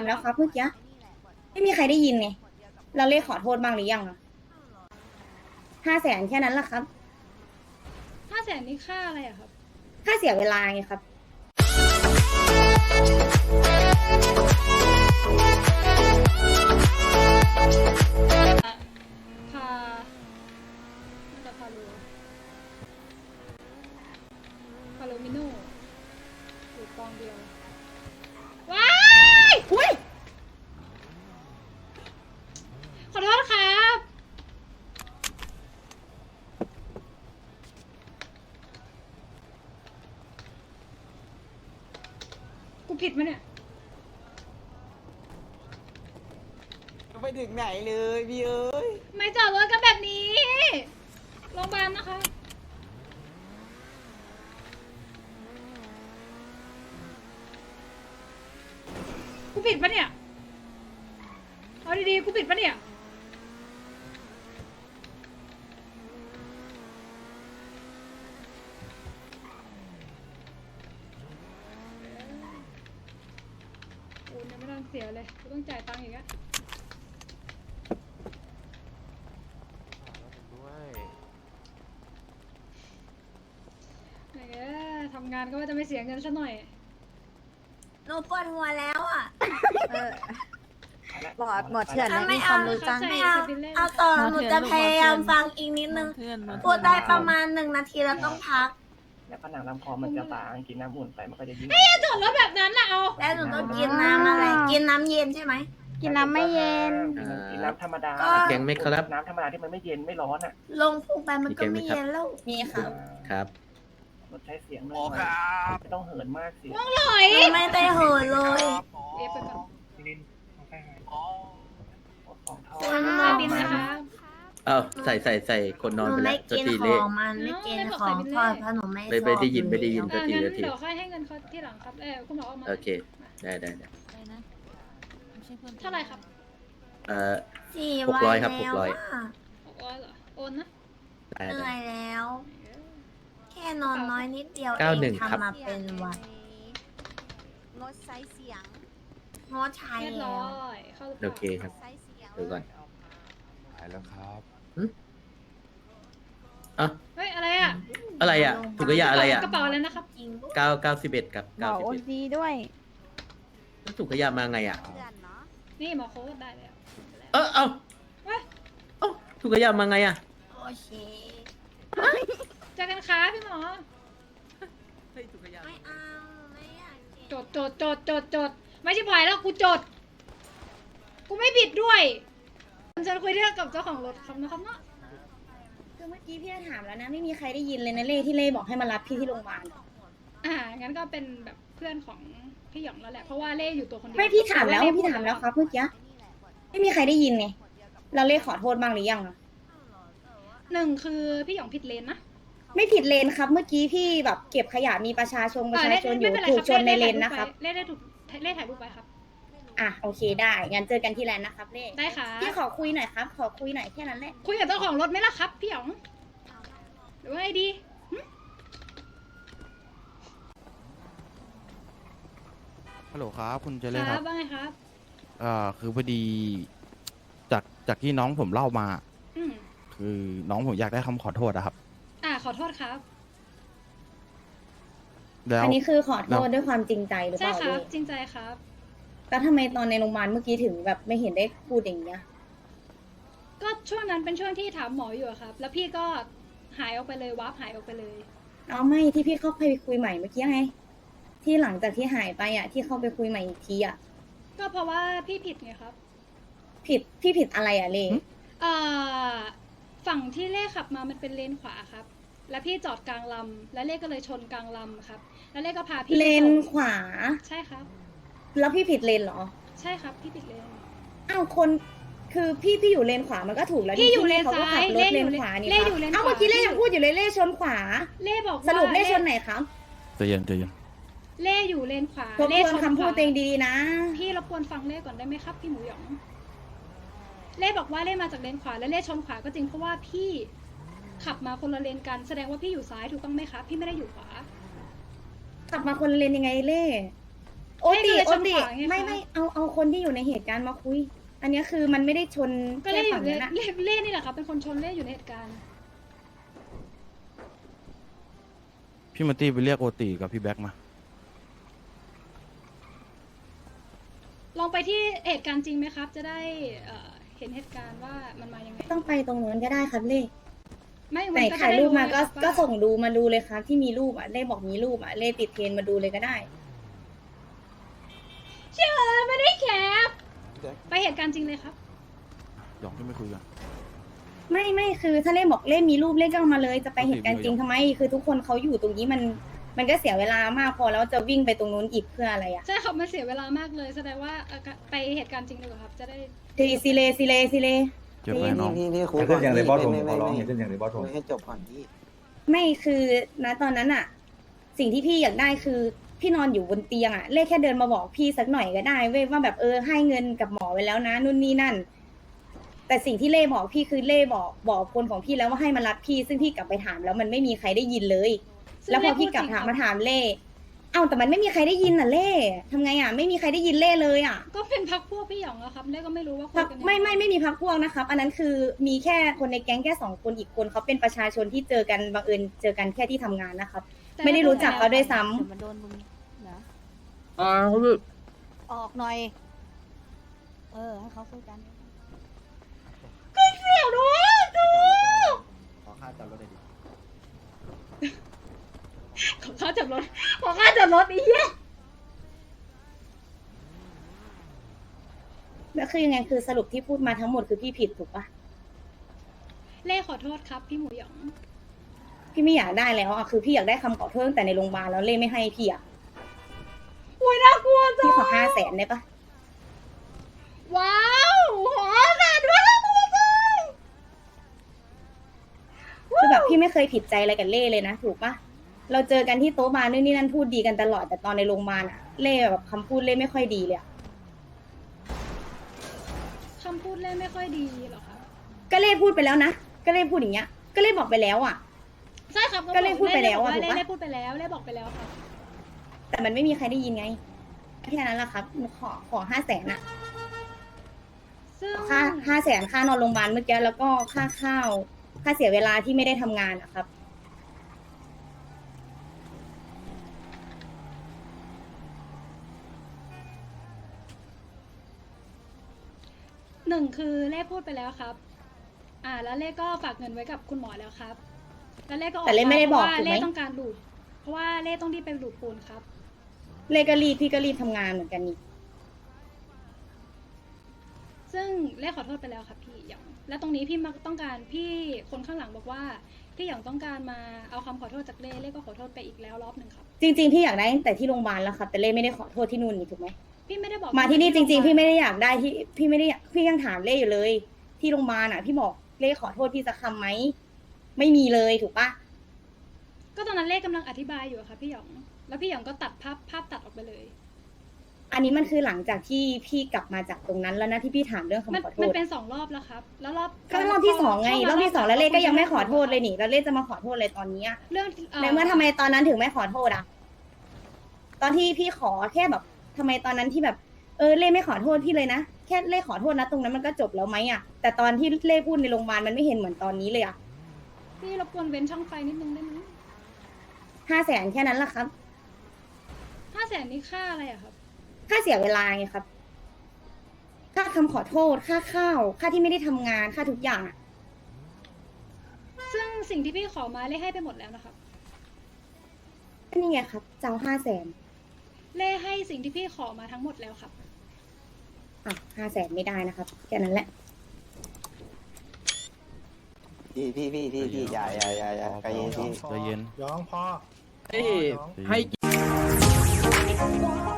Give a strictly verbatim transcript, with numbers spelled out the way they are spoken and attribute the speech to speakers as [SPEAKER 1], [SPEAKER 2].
[SPEAKER 1] ามแล้วครับเมื่อกี้ไม่มีใครได้ยินไงเราเรียกขอโทษบ้างหรือยังอะห้าแสนแค่นั้นแหละครับ
[SPEAKER 2] ห้าแสนนี่ค่าอะไรอะครับ
[SPEAKER 1] ค่าเสียเวลาไงครับ
[SPEAKER 2] พาน่าจะพาโลพาโลมิโน่อยู่กองเดียวว้าย
[SPEAKER 1] อุ้ย
[SPEAKER 2] ขอโทษครับกูผิดมั้ยเนี่ย
[SPEAKER 3] ไปถึงไหนเลยพี่เอ้ย
[SPEAKER 2] ไม่จอดรถกันแบบนี้โรงพยาบาลนะคะกูผิดปะเนี่ยเอาดีๆกูผิดปะเนี่ยโอ้ยยังไม่ต้องเสียเลยกูต้องจ่ายตังค์อีกอะไหนแกทำงานก็ว่าจะไม่เสียเงินซะหน่อย
[SPEAKER 4] หนูปวดหัวแล้วอ่ะ
[SPEAKER 5] เออหมอหมอเถื่อนไม่มีความรู้จัง
[SPEAKER 2] ไม่
[SPEAKER 4] ไม่
[SPEAKER 2] เอา
[SPEAKER 4] เอาเอาต่อหนูจะพยายามฟังอีกนิดนึงพูดได้ประมาณหนึ่งนาทีแล้วต้องพัก
[SPEAKER 6] แล้วผนังลำคอมันจะบางกินน้ำอุ่นไปมันก็จะยิ่ง
[SPEAKER 2] อย่าจอดรถแบบนั้นนะเอา
[SPEAKER 4] แล้วหนูต้องกินน้ำอะไร กินน้ำเย็นใช่ไหม
[SPEAKER 1] กินน้ำไม่เย็น
[SPEAKER 6] กินน้ำธรรมดา
[SPEAKER 4] ก็
[SPEAKER 7] แกงไหมครับ
[SPEAKER 6] น้ำธรรมดาที่มันไม่เย็นไม่ร้อนอ่ะ
[SPEAKER 4] ลงพุงไปมันก็ไม่เย็นแล้ว
[SPEAKER 1] มีครับ
[SPEAKER 7] ครับ
[SPEAKER 6] ลดใช้เสียงหน่อยไม่ต้องเหินมากเสียง
[SPEAKER 2] อร่อย
[SPEAKER 4] หนูไม่ได้เหินเลย
[SPEAKER 2] เรียบไปก่อน
[SPEAKER 6] ของทอ
[SPEAKER 4] คุณ
[SPEAKER 6] ด
[SPEAKER 4] หม
[SPEAKER 2] ใส่
[SPEAKER 4] อ
[SPEAKER 2] บินนะคะ
[SPEAKER 7] เอ้าใส่ใส่ใส่คนน
[SPEAKER 4] ห
[SPEAKER 7] อน
[SPEAKER 4] นู
[SPEAKER 7] ไปแล้
[SPEAKER 4] ไม่
[SPEAKER 7] วตัว
[SPEAKER 4] กิน
[SPEAKER 7] ตี
[SPEAKER 4] ข
[SPEAKER 7] เละ
[SPEAKER 4] องมันไม่กินของทอดเพราะหนูไม่
[SPEAKER 7] ไม่ไม่ได้ยินไม่ได้ยิน
[SPEAKER 2] อ่างั้นเดี๋ยวค่อยให้เงินเขาที่หลังครับเออคุณหมอเอามา
[SPEAKER 7] โอเค ได้ได้ได้
[SPEAKER 2] เท่าไหร่ครับ
[SPEAKER 7] เอ่อ
[SPEAKER 4] สี่
[SPEAKER 7] หกร้
[SPEAKER 4] วั
[SPEAKER 7] อย
[SPEAKER 4] น
[SPEAKER 7] ครับ
[SPEAKER 4] แล้ว
[SPEAKER 7] หกร้อย
[SPEAKER 4] อะ
[SPEAKER 2] หกร้อยเหรอโอนนะ
[SPEAKER 7] ได้
[SPEAKER 4] เหนื่
[SPEAKER 7] ได้
[SPEAKER 4] อยแล้ว แค่นอนน้อยนิดเดียวเอ
[SPEAKER 7] เก้าง หนึ่งครับ
[SPEAKER 4] ทำมาเป็นวัน
[SPEAKER 5] งดใช้เสียง
[SPEAKER 4] งดใช้
[SPEAKER 2] เรียบ
[SPEAKER 4] แล้
[SPEAKER 2] ร้
[SPEAKER 4] ว
[SPEAKER 2] อยเข้าหรือเป
[SPEAKER 7] โอ
[SPEAKER 2] ล่า
[SPEAKER 7] เคครับ
[SPEAKER 5] ใช้เสียง
[SPEAKER 7] ดูก่อน
[SPEAKER 8] หายแล้วครับ
[SPEAKER 7] อ่ะ
[SPEAKER 2] เฮ้ยอะไรอ่ะ
[SPEAKER 7] อะไรอ่ะถุงขยะอะไรอ่ะ
[SPEAKER 2] กระเป๋าอะไรนะครับ
[SPEAKER 4] จริงด้วย
[SPEAKER 7] เก้าเก้าสิบเอ็ดครับ
[SPEAKER 5] หม
[SPEAKER 7] เก้า
[SPEAKER 5] อ
[SPEAKER 7] สิบ
[SPEAKER 5] โอ
[SPEAKER 7] เอ็ด
[SPEAKER 5] ดีด้วย
[SPEAKER 7] ถุงขยะมาไงอ่ะ
[SPEAKER 5] เถื่อนเนาะ
[SPEAKER 2] นี่หมอโค้ดได้แล้ว
[SPEAKER 7] เออเอ้า
[SPEAKER 2] เว้ย
[SPEAKER 7] เอ้าถุงขยะมาไงอ่ะ
[SPEAKER 4] โอเค
[SPEAKER 2] เจอกันค่ะพี่หมอ
[SPEAKER 7] เฮ้ยถุงขยะ
[SPEAKER 4] ไม่เอาไม่อยากกิน
[SPEAKER 2] จดจดจดจดจดไม่ใช่พายแล้วกูจด กูไม่ผิดด้วยฉันคุยเรื่องกับเจ้าของรถครับนะครับเนาะ
[SPEAKER 1] คือเมื่อกี้พี่ถามแล้วนะไม่มีใครได้ยินเลยนะเล่ที่เล่บอกให้มารับพี่ที่โรงพยาบาล
[SPEAKER 2] อ่างั้นก็เป็นแบบเพื่อนของพี่หยองแล้วแหละเพราะว่าเล่อยู่ตัวคนเดียว
[SPEAKER 1] ไม่พี่ถามแล้ว
[SPEAKER 2] เล่
[SPEAKER 1] พี่ถามแล้วครับเมื่อกี้ไม่มีใครได้ยินไงเราเรียกขอโทษบ้างหรือยังอะ
[SPEAKER 2] หนึ่งคือพี่หยองผิดเลนนะ
[SPEAKER 1] ไม่ผิดเลนครับ เมื่อกี้พี่แบบเก็บขยะมีประชาชนประชาชนอยู่ถูกชนในเลนนะครับ
[SPEAKER 2] เล่ได้ถูกเล่ถ่ายรูปไปครับ
[SPEAKER 1] อ่ะโอเคได้งั้นเจอกันที่แลนด์นะครับเล่
[SPEAKER 2] ได้ค่ะ
[SPEAKER 1] พี่ขอคุยหน่อยครับ ขอคุยหน่อยแค่นั้นแหละ
[SPEAKER 2] คุยกับเจ้าของรถไหมล่ะครับพี่หยองหรือว่าไงดีหึ
[SPEAKER 8] ฮัลโหลครับ คุณเจ
[SPEAKER 2] ค
[SPEAKER 8] เล่ค
[SPEAKER 2] รั
[SPEAKER 8] รั
[SPEAKER 2] บบ ว่าไงครับ
[SPEAKER 8] เอ่อคือพอดี จากจากที่น้องผมเล่ามา
[SPEAKER 2] อืม
[SPEAKER 8] คือน้องผมอยากได้คำขอโทษนะครับ
[SPEAKER 2] อ่าขอโทษครับ
[SPEAKER 8] แล้ว
[SPEAKER 1] อันนี้คือขอโทษด้วยความจริงใจหรือเป
[SPEAKER 2] ใช่
[SPEAKER 1] ล่า
[SPEAKER 2] ครั
[SPEAKER 1] เล่
[SPEAKER 2] บจริงใจครับ
[SPEAKER 1] แล้วทำไมตอนในโรงพยาบาลเมื่อกี้ถึงแบบไม่เห็นได้พูดอย่างเงี้ย
[SPEAKER 2] ก็ช่วงนั้นเป็นช่วงที่ถามหมออยู่อะครับ แล้วพี่ก็หายออกไปเลยวับหายออกไปเลย
[SPEAKER 1] เอาไม่ที่พี่เข้าไปคุยใหม่เมื่อกี้ไง ที่หลังจากที่หายไปอ่ะที่เข้าไปคุยใหม่อีกทีอ่ะ
[SPEAKER 2] ก็เพราะว่าพี่ผิดไงครับ
[SPEAKER 1] ผิดพี่ผิดอะไรอ่ะเล่
[SPEAKER 2] เอ่อฝั่งที่เล่ขับมามันเป็นเลนขวาครับ แล้วพี่จอดกลางลำแล้วเล่ก็เลยชนกลางลำครับ แล้วเล่ก็พาพี่
[SPEAKER 1] เลน
[SPEAKER 2] ไปส่ง
[SPEAKER 1] ขวา
[SPEAKER 2] ใช่ครับ
[SPEAKER 1] แล้วพี่ผิดเลนเหรอ
[SPEAKER 2] ใช่ครับพี่ผิดเลน
[SPEAKER 1] อ้าวคนคือพี่พี่อยู่เลนขวามันก็ถูกแล้ว
[SPEAKER 2] พี่อยู่เลน
[SPEAKER 1] เขาก็ขั
[SPEAKER 2] ซ้าย
[SPEAKER 1] บรถเลน
[SPEAKER 2] เล่อยู่
[SPEAKER 1] ขวานี่
[SPEAKER 2] เล่
[SPEAKER 1] ครับ
[SPEAKER 2] อยู่เลน
[SPEAKER 1] อ้าว
[SPEAKER 2] ขวา
[SPEAKER 1] เมื่อกี้เล่ยังพูดอยู่เลยเล่ชนขวา
[SPEAKER 2] เล่บอกว่า
[SPEAKER 1] สรุปเล่ชนไหนครับ
[SPEAKER 8] ใจเย็นใจเย็น
[SPEAKER 2] เล่อยู่เลนขวา
[SPEAKER 1] ทบ
[SPEAKER 2] เล่
[SPEAKER 1] ทวนคำพูดตัวเองดีๆนะ
[SPEAKER 2] พี่รบกวนฟังเล่ก่อนได้ไหมครับพี่หมูหยอง เล่บอกว่าเล่มาจากเลนขวาและเล่ชนขวาก็จริงเพราะว่าพี่ขับมาคนละเลนกันแสดงว่าพี่อยู่ซ้ายถูกต้องไหมคะพี่ไม่ได้อยู่ขวา
[SPEAKER 1] ขับมาคนละเลนยังไงเล่โอ
[SPEAKER 2] ให้
[SPEAKER 1] ติ
[SPEAKER 2] ดูแล
[SPEAKER 1] โอ
[SPEAKER 2] ชน
[SPEAKER 1] ติ
[SPEAKER 2] ขวาไงคะ
[SPEAKER 1] ไม่ไม่เอาเอาคนที่อยู่ในเหตุการณ์มาคุย อันเนี้ยคือมันไม่ได้ชน
[SPEAKER 2] ก็
[SPEAKER 1] แค่
[SPEAKER 2] เล่อ
[SPEAKER 1] ฝั่ง
[SPEAKER 2] ยู่
[SPEAKER 1] นั้นอะ
[SPEAKER 2] เล่เล่นี่แหละครับเป็นคนชนเล่อยู่ในเหตุการณ์
[SPEAKER 8] พี่มาตี้ไปเรียกโอติกับพี่แบ็กมา
[SPEAKER 2] ลองไปที่เหตุการณ์จริงไหมครับ จะได้เอ่อเห็นเหตุการณ์ว่ามันมายังไง
[SPEAKER 1] ต้องไปตรงนู้นก็ได้ครับเล่
[SPEAKER 2] ไม่
[SPEAKER 1] ไหน
[SPEAKER 2] มันก็จะ
[SPEAKER 1] ถ่าย
[SPEAKER 2] ได้
[SPEAKER 1] รูปมาก็
[SPEAKER 2] ไงครับ
[SPEAKER 1] ก็
[SPEAKER 2] ว่า
[SPEAKER 1] ส่งดูมาดูเลยครับที่มีรูปอ่ะเล่บอกมีรูปอ่ะเล่ติดเทรนมาดูเลยก็ได้
[SPEAKER 2] เชื่อไม่ได้แคปไปเหตุการณ์จริงเลยครับ
[SPEAKER 8] หยองขึ้นไปคุยกัน
[SPEAKER 1] ไม่ไม่คือถ้าเล่บอกเล่มีรูปเล่ก็เอามาเลยจะไปเหตุการณ์จริงทำไม คือทุกคนเขาอยู่ตรงนี้มันมันก็เสียเวลามากพอแล้วจะวิ่งไปตรงนู้นอีกเพื่ออะไรอ่ะ
[SPEAKER 2] ใช่ครับมันเสียเวลามากเลยแสดงว่าเอ่อไปเหตุการณ์จริงดีกว่าครับ จะได้
[SPEAKER 1] ทีซีเลซีเลซีเล
[SPEAKER 8] เจอไหมน้อง
[SPEAKER 3] พี่พี่คุย
[SPEAKER 9] อย่า
[SPEAKER 3] ก่
[SPEAKER 9] ขึ้
[SPEAKER 3] อน
[SPEAKER 9] นอย่างเลยบอสผม
[SPEAKER 3] ไม่
[SPEAKER 9] ข
[SPEAKER 3] ไม่
[SPEAKER 9] อร้อง
[SPEAKER 3] ไม่
[SPEAKER 9] อย่าขึ้นอย่างเลยบอสผม
[SPEAKER 3] คุยให้จบก่อนพี่
[SPEAKER 1] ไม่คือณตอนนั้นอะสิ่งที่พี่อยากได้คือพี่นอนอยู่บนเตียงอะเล่แค่เดินมาบอกพี่สักหน่อยก็ได้เว้ยว่าแบบเออให้เงินกับหมอไว้แล้วนะนู่นนี่นั่น แต่สิ่งที่เล่บอกพี่คือเล่บอกบอกคนของพี่แล้วว่าให้มารับพี่ ซึ่งพี่กลับไปถามแล้วมันไม่มีใครได้ยินเลย
[SPEAKER 2] ซึ่ง
[SPEAKER 1] แล้วพอ
[SPEAKER 2] เล่
[SPEAKER 1] พี่กลับ
[SPEAKER 2] พูดจริง
[SPEAKER 1] ถาม
[SPEAKER 2] ครับ
[SPEAKER 1] มาถามเล่เอ้าแต่มันไม่มีใครได้ยินน่ะเล่ทำไงอะไม่มีใครได้ยินเล่เลยอะ
[SPEAKER 2] ก็เป็นพักพวกพี่หยองอะครับเล่ก็ไม่รู้ว่าคุย
[SPEAKER 1] พัก
[SPEAKER 2] กันยังง
[SPEAKER 1] ไม่ไม่ไม่มีพักพวกนะครับ อันนั้นคือมีแค่คนในแก๊งแค่สองคนอีกคนเขาเป็นประชาชนที่เจอกันบังเอิญเจอกันแค่ที่ทำงานนะครับ
[SPEAKER 2] แต่
[SPEAKER 1] ไม่ได้รู้จักเขาด้วยซ้ำ
[SPEAKER 5] เดี๋ยวมันโดนมึงนะ
[SPEAKER 7] อ่า
[SPEAKER 5] ออกหน่อย เออ ให้เขาคุยกัน
[SPEAKER 2] เดี๋ยวดูดู
[SPEAKER 9] ขอค่าจอดรถเลยดิ
[SPEAKER 2] ขอค่าจับรถขอค่าจับรถอีกเหี้ย
[SPEAKER 1] แล้วคือยังไงคือสรุปที่พูดมาทั้งหมดคือพี่ผิดถูกปะ
[SPEAKER 2] เล่ขอโทษครับพี่หมูหยอง
[SPEAKER 1] พี่ไม่อยากได้แล้วอ่ะคือพี่อยากได้คำขอโทษตั้งแต่ในโรงพยาบาลแล้วเล่ไม่ให้พี่อ่ะ
[SPEAKER 2] โอ้ยน่ากลัวจัง
[SPEAKER 1] พี่ขอห้าแสนได้ปะ
[SPEAKER 2] ว้าวขอแต่ด้วยน่ากลัวจัง
[SPEAKER 1] คือแบบพี่ไม่เคยผิดใจอะไรกับเล่เลยนะถูกปะเราเจอกันที่โต๊ะบาร์นู่นนี่นั่นพูดดีกันตลอดแต่ตอนในโรงพยาบาลอ่ะเล่แบบคำพูดเล่ไม่ค่อยดีเลยอะ
[SPEAKER 2] คำพูดเล่ไม่ค่อยดีเหรอคะ
[SPEAKER 1] ก็เล่พูดไปแล้วนะก็เล่พูดอย่างเงี้ย ก็เล่บอกไปแล้วอ่ะ
[SPEAKER 2] ใช่ครับ
[SPEAKER 1] ก็เล่พูดไปแล้วอะ
[SPEAKER 2] เล่
[SPEAKER 1] ถูกปะ
[SPEAKER 2] เล่พูดไปแล้วเล่บอกไปแล้วครับ
[SPEAKER 1] แต่มันไม่มีใครได้ยินไงแค่นั้นแหละครับขอขอห้าแสนอะ
[SPEAKER 2] ซึ่ง
[SPEAKER 1] ค่าห้าแสนค่านอนโรงพยาบาลเมื่อกี้แล้วก็ค่าข้าวค่าเสียเวลาที่ไม่ได้ทำงานอะครับ
[SPEAKER 2] หนึ่งคือเล่พูดไปแล้วครับ อ่า แล้วเล่ก็ฝากเงินไว้กับคุณหมอแล้วครับ แล้วเล่ก็ออก
[SPEAKER 1] แต่เล่ไม่ได้บอก
[SPEAKER 2] พราะว่า
[SPEAKER 1] ถูกไหม
[SPEAKER 2] เล่ต้องการดูด เพราะว่าเล่ต้องรีบไปดูดปูนครับ
[SPEAKER 1] เลขก็รีบพี่ก็รีบทำงานเหมือนกันนี่
[SPEAKER 2] ซึ่งเล่ขอโทษไปแล้วครับพี่หยอง และตรงนี้พี่มักต้องการพี่คนข้างหลังบอกว่าพี่หยองต้องการมาเอาคำขอโทษจากเล่เล่ก็ขอโทษไปอีกแล้วรอบหนึ่งครับ
[SPEAKER 1] จริง ๆ พี่อยากได้ตั้งแต่ที่โรงพยาบาลแล้วครับแต่เล่ไม่ได้ขอโทษที่นู่นนี่ถูกไหม
[SPEAKER 2] พี่ไม่ได้บอก
[SPEAKER 1] มาที่นี่จริง ๆ พี่ไม่ได้อยากได้ที่พี่ไม่ได้อยากพี่ยังถามเล่อยู่เลย ที่โรงพยาบาลอ่ะ พี่บอกเล่ขอโทษพี่สักคำไหมไม่มีเลยถูกปะ
[SPEAKER 2] ก็ตอนนั้นเล่กำลังอธิบายอยู่อะค่ะพี่หยอง แล้วพี่หยองก็ตัดภาพภาพตัดออกไปเลย
[SPEAKER 1] อันนี้มันคือหลังจากที่พี่กลับมาจากตรงนั้นแล้วนะที่พี่ถามเรื่อง
[SPEAKER 2] มัน
[SPEAKER 1] คำขอโท
[SPEAKER 2] มัน
[SPEAKER 1] ษ
[SPEAKER 2] เป็นสองรอบแล้วครับ แล้วรอบ
[SPEAKER 1] ก็รอบที่สองไงรอบที่สองแล้วเล่ก็ยังไม่ขอโทษเลย
[SPEAKER 2] นี่
[SPEAKER 1] นี่แล้วเล่จะมาขอโทษเลยตอนนี้อะ
[SPEAKER 2] เรื่อง
[SPEAKER 1] ในเมื่อทำไมตอนนั้นถึงไม่ขอโทษอ่ะ ตอนที่พี่ขอแค่แบบทำไมตอนนั้นที่แบบ เออเล่ไม่ขอโทษพี่เลยนะ แค่เล่ขอโทษนะตรงนั้นมันก็จบแล้วไหมอ่ะ แต่ตอนที่เล่พูดในโรงพยาบาลมันไม่เห็นเหมือนตอนนี้เลยอ่ะ
[SPEAKER 2] พี่รบกวนเว้นช่องไฟนิดนึงได้ไหม
[SPEAKER 1] ห้าแสนแค่นั้นแหละครับ
[SPEAKER 2] ห้าแสนนี่ค่าอะไรอะครับ
[SPEAKER 1] ค่าเสียเวลาไงครับ ค่าคำขอโทษ ค่าข้าว ค่าที่ไม่ได้ทำงาน ค่าทุกอย่างอ่ะ
[SPEAKER 2] ซึ่งสิ่งที่พี่ขอมาเล่ให้ไปหมดแล้วนะครับ
[SPEAKER 1] ก็นี่ไงครับเจ้าห้าแสน
[SPEAKER 2] เล่ให้สิ่งที่พี่ขอมาทั้งหมดแล้วครับ
[SPEAKER 1] อ่ะห้าแสนไม่ได้นะครับ แค่นั้นแหละ
[SPEAKER 3] พี่พี่พี่พี่พี่อย่าอย่าอย่าอย่าใจเย็นพี่
[SPEAKER 8] ใจเย็น
[SPEAKER 9] ย้องพ่อ
[SPEAKER 7] เอ้ย
[SPEAKER 8] ใจเย็น
[SPEAKER 7] ให้